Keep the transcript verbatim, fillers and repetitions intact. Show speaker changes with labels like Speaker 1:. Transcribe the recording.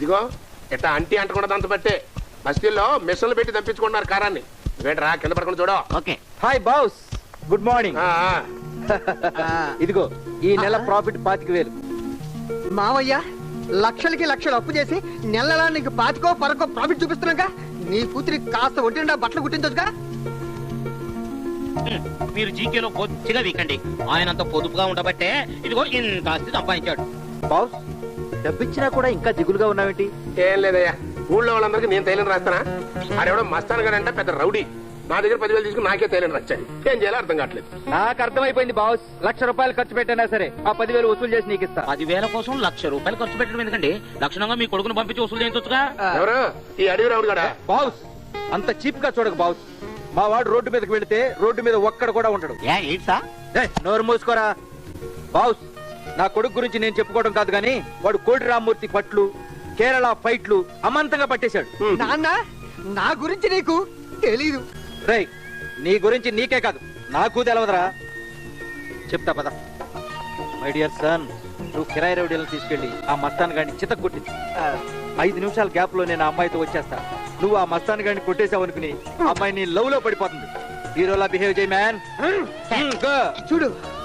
Speaker 1: ఇదిగో ఇట్లా అంటీ అంటకుండా దంత పట్టే బస్తీల్లో మిషన్లు పెట్టి తప్పించుకుంటున్నారు కారాన్ని. వేటరా కింద పడకుండా చూడ.
Speaker 2: Okay.
Speaker 3: Hi boss, good morning. ఇదిగో ఈ నెల ప్రాఫిట్ పాతిక వేలు.
Speaker 4: మావయ్య లక్షలకి లక్షలు అప్పు చేసి నెలలా నీకు పాతికో పరకో ప్రాఫిట్ చూపిస్తున్నాగా. నీ కూతురి కాస్త ఒంటి నిండా బట్టలు కుట్టించొచ్చుగా.
Speaker 2: మీరు జీకేలో బొత్తిగా వీకండి. ఆయనంత పొదుపుగా ఉండబట్టే ఇదిగో ఇంత ఆస్తి సంపాదించాడు.
Speaker 3: బాస్ డబ్బిచ్చినా కూడా ఇంకా దిగులుగా ఉన్నావేంటి?
Speaker 1: ఏం లేదయ్యా, ఊళ్ళో వాళ్ళందరికీ నేను తైలని రాస్తానా? ఆడెవడో మస్తాన్ గారు అంటే పెద్ద రౌడీ. నా దగ్గర పదివేలు తీసుకుని నాకే తైలని రాచాడు. ఏం చేయాలో అర్థం కావట్లేదు.
Speaker 3: నాకు అర్థమైపోయింది బాస్. లక్ష రూపాయలు ఖర్చు పెట్టినా సరే ఆ పదివేలు వసూలు చేసి నీకు ఇస్తా.
Speaker 2: పదివేల కోసం లక్ష రూపాయలు ఖర్చు పెట్టడం ఎందుకండి? లక్షణంగా మీ కొడుకును పంపించి వసూలు చేయించొచ్చుగా.
Speaker 1: ఎవరు ఈ అడవి రౌడీ కూడా?
Speaker 3: బాస్ అంత చీప్ గా చూడకు బాస్. మా వాడు రోడ్డు మీదకి వెళితే రోడ్డు మీద ఒక్కడ కూడా ఉండడు. నోరు మూసుకోరా బాస్. నా కొడుకు గురించి నేను చెప్పుకోవడం కాదు గానీ వాడు కోటి రామ్మూర్తి పట్లు, కేరళ ఫైట్లు అమాంతంగా పట్టేశాడు.
Speaker 4: నాన్న నా గురించి నీకు తెలీదు.
Speaker 3: రై నీ గురించి నీకే కాదు నాకు తెలవదురా. చెప్తా పద. మై డియర్ సన్, నువ్వు కిరాయి రౌడీలను తీసుకెళ్లి ఆ మస్తాన్ గాడిని చితక్ కొట్టింది. ఐదు నిమిషాల గ్యాప్ లో నేను ఆ అమ్మాయితో వచ్చేస్తా. నువ్వు ఆ మస్తాన్ గాడిని కొట్టేసావు అనుకుని అమ్మాయి నీ లవ్ లో పడిపోతుంది. హీరోలా బిహేవ్ చేయి మ్యాన్.
Speaker 4: చూడు